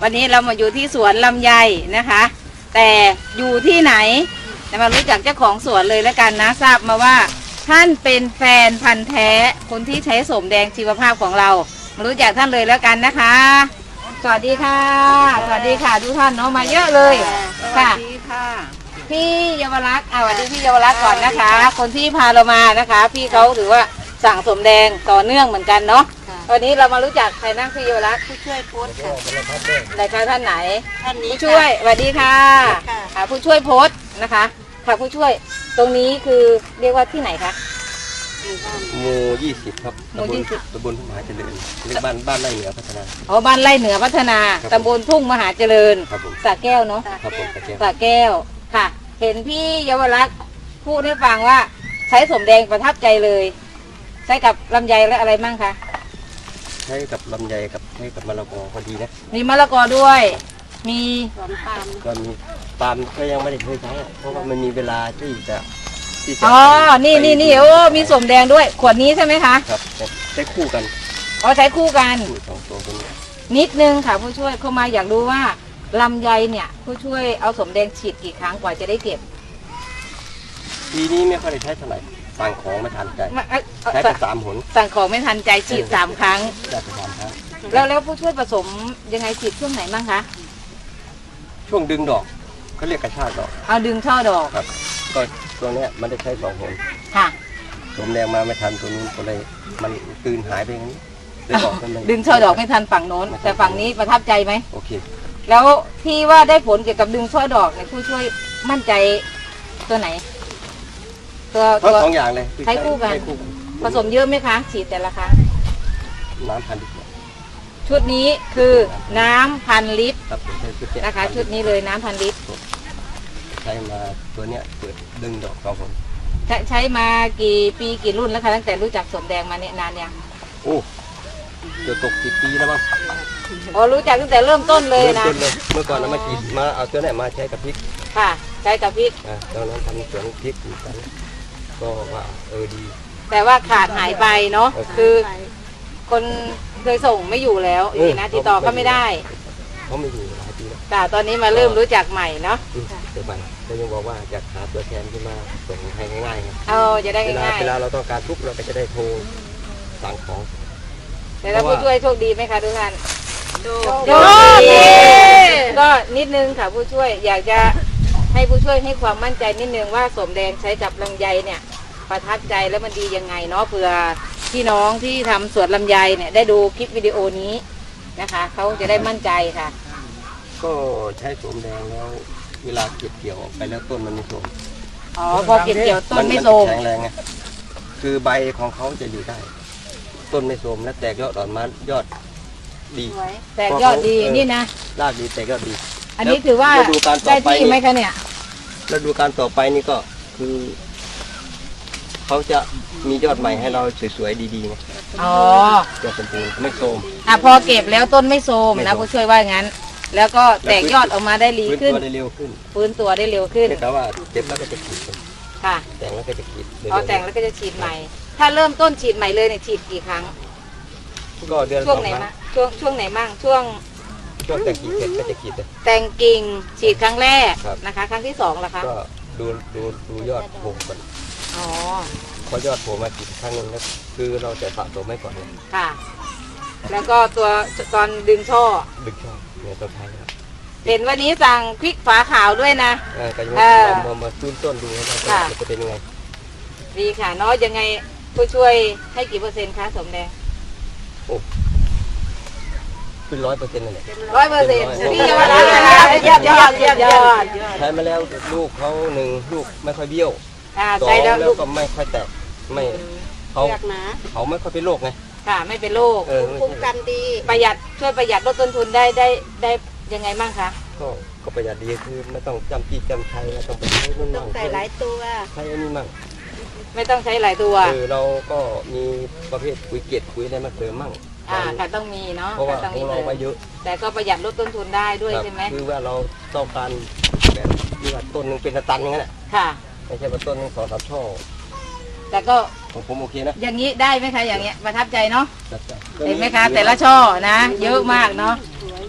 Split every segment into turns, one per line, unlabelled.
วันนี้เรามาอยู่ที่สวนลำไยนะคะ แต่อยู่ที่ไหนมารู้จักเจ้าของสวนเลยแล้วกันนะทราบมาว่าท่านเป็นแฟนพันธ์แท้คนที่ใช้โสมแดงชีวภาพของเรามารู้จักท่านเลยแล้วกันนะคะสวัสดีค่ะสวัสดีค่ะทุกท่านเนาะมาเยอะเลยค่ะพี่เยาวรักษ์สวัสดีพี่เยาวรักษ์ก่อนนะคะ คนที่พาเรามานะคะ พี่เขาถือว่าสั่งโสมแดงต่อเนื่องเหมือนกันเนาะวันนี้เรามารู้จักใครนั่งพี่เยาวรักษ์ผู้ช่วยโพสค่ะไหนคะท่านไหนท่านนี้ผู้ช่วยสวัสดีค่ะผู้ช่วยโพสนะคะค่ะผู้ช่วยตรงนี้คือเรียกว่าที่ไหนคะ
หมู่20ครับตำบลทุ่งมหาเจริญเรียกบ้านไร่เหนือพัฒนา
อ๋อบ้านไร่เหนือพัฒนาตำบลทุ่งมหาเจริญสระแก้วเนาะ
ครับผม
สระแก้วค่ะเห็นพี่เยาวรักษ์พูดให้ฟังว่าใช้โสมแดงประทับใจเลยใช้กับลำไยและอะไรมั่งคะ
ใช้กับลำไยกับใช้กับมะละกอพอดีนะ
มีมะละกอด้วยมี
ก็มีปาล์มก็ยังไม่ได้เคยใช้เพราะว่ามันมีเวลาที่จะ
อ๋อนี่โอ้มีโสมแดงด้วยขวดนี้ใช่ไหมคะ
ครับใช้คู่กัน
อ๋อใช้คู่กัน
สองตัวนี้
นิดนึงค่ะผู้ช่วยเข้ามาอยากรู้ว่าลำไยเนี่ยผู้ช่วยเอาโสมแดงฉีดกี่ครั้งกว่าจะได้เก็บ
ปีนี้ไม่ค่อยได้ใช้เท่าไหร่สั่งของไม่ทันใจใช้ไป3 หน
สั่งของไม่ทันใจฉีด3 ครั้ง
ได้ไป3 ครั้ง
แล้วผู้ช่วยผสมยังไงฉีดช่วงไหนบ้างคะ
ช่วงดึงดอกเขาเรียกกระชากดอก
เอาดึงช่อดอก
ครับก็ตัวนี้มันได้ใช้2 หน
ค่ะ
โสมแดงมาไม่ทันตัวนู้นก็เลยมันคืนหายไปอย่างนี้
ดึงช่อดอกไม่ทันฝั่งโน้นแต่ฝั่งนี้ประทับใจไหม
โอเค
แล้วที่ว่าได้ผลเกี่ยวกับดึงช่อดอกเนี่ยผู้ช่วยมั่นใจตัวไหน
ตัว2 อย่างเลย
ใช้คู่กันผสมเยอะไหมคะฉีดแต่ละครั้ง
น้ำ1,000 ลิตร
ชุดนี้คือน้ำ1,000 ลิตรนะคะชุดนี้เลยน้ำ1,000 ลิตร
ใช้มาตัวเนี้ยเปิดดึงดอก2 หน
ใช้มากี่ปีกี่รุ่นแล้วคะตั้งแต่รู้จักโสมแดงมาเนี่ยนานยัง
โอ้เกือบ10 ปีแล้วมั้ง
อ๋อรู้จักตั้งแต่เริ่มต้นเลยนะ
เมื่อก่อนเรามาเอาตัวไหนมาใช้กับพริก
ค่ะใช้กับพริก
ตอนนั้นทำสวนพริกอยู่กันก็ว่าดี
แต่ว่าขาดหายไปเนาะคือคนเคยส่งไม่อยู่แล้วนะติดต่อก็ไม่ได้
เขาไม่อยู่หลายปีแล้ว
แต่ตอนนี้มาเริ่มรู้จักใหม่เนาะ
เดี๋ยวไปก็ยังบอกว่าอยากหาตัวแทนขึ้นมาส่งให้ง่าย
ๆจะได้ง่าย
เวลาเราต้องการทุกเราก็จะได้โทรสั่งของ
แต่ถ้าผู้ช่วยโชคดีไหมคะทุกท่านโชคดีก็นิดนึงค่ะผู้ช่วยอยากจะให้ผู้ช่วยให้ความมั่นใจนิดนึงว่าโสมแดงใช้กับลำไยเนี่ยประทับใจแล้วมันดียังไงเนาะเผื่อพี่น้องที่ทำสวนลำไยเนี่ยได้ดูคลิปวิดีโอนี้นะคะเขาจะได้มั่นใจค่ะ
ก็ใช้โสมแดงแล้วเวลาเก็บเกี่ยวไปแล้วต้นมันไม่โทรม
อ๋อพอเก็บเกี่ยวต้นไม่โทรม
แข็งแรงไงคือใบของเขาจะอยู่ได้ต้นไม่โทรมและแตกยอดอ่อนมายอดดี
แตกยอดดีนี่นะ
รากดีแตกยอดดี
อันนี้ถือว่าได้ที่ไหมคะเนี่ย
แล้วดูการต่อไปนี่ก็คือเขาจะมียอดใหม่ให้เราสวยๆดีๆไง
อ๋อย
อดสมบูรณ์ไม่โทรม
พอเก็บแล้วต้นไม่โทรมนะผู้ช่วยว่างั้นแล้วก็แตกยอดออกมาได้ดีขึ้น
ฟื้นตัวได้เร็วขึ้น
ฟื้นตัวได้เร็วขึ้น
แต่ว่าเจ็บแล้วก็จะขีด
ค่ะ
แต่งแล้วก็จะขีด
แต่งแล้วก็จะฉีดใหม่ถ้าเริ่มต้นฉีดใหม่เลยเนี่ยฉีดกี่ครั้ง
ก็เดือน
ช่วงไหนมั่งช่วงไหนมั่งช่วง
แต่งกิ่งเสร็จก็จะขีดเลย
แต่งกิ่งฉีดครั้งแรกนะคะครั้งที่2ล่ะคะ
ก็ดูยอดโผล่ก่อน
อ๋อ
พอยอดโผล่มาขีดครั้งนึงแล้วคือเราจะสะสมไว้ก่อน
ค่ะแล้วก็ตัวตอนดึงช่อ
เนี่ยตัวท้ายครับ
เห็นวันนี้สั่งพริกฝาขาวด้วยนะ
ก็ยังมาตื้นต้นดูว่าจะเป็นยังไง
ดีค่ะน้อยยังไงผู้ช่วยให้กี่เปอร์เซ็นต์คะโสมแดง
โอ้เป็น100%เลย
100%พี่เยาวรักษ์ยอด
ใช้มาแล้วลูกเขา1 ลูกไม่ค่อยเบี้ยว
ใช้แล้ว
ลูกก็ไม่ค่อยแตกไม่เขาไม่ค่อยเป็นโรคไง
ค่ะไม่เป็นโรค
คุ้มกันดี
ประหยัดช่วยประหยัดลดต้นทุนได้ยังไงบ้างคะ
ก็ประหยัดดีคือไม่ต้องจำปีจำใช้ไม่ต้องไปใช้นู่น
ต้องใส่หลายตัว
ใช้อันนี้มั่ง
ไม่ต้องใช้หลายตัว
เราก็มีประเภทปุ๋ยเกล็ดปุ๋ยอะไรมาเสริมมั่ง
ค่ะต้องมีเนาะ
เพราะว่าของเราไปเยอะ
แต่ก็ประหยัดลดต้นทุนได้ด้วยใช่ไหม
คือว่าเราต้องการแบบที่ว่าต้นนึงเป็นตันอย่างนั้น
ค่ะ
ไม่ใช่ว่าต้นนึง2-3 ช่อ
แต่ก็
ของผมโอเคนะ
อย่างนี้ได้ไหมคะอย่างเงี้ยประทับใจเนาะเห็นไหมคะแต่ละช่อนะเยอะมากเนาะ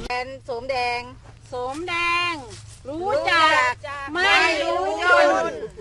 แฟนสมแดง
สมแดง รู้จักไม่รู้จน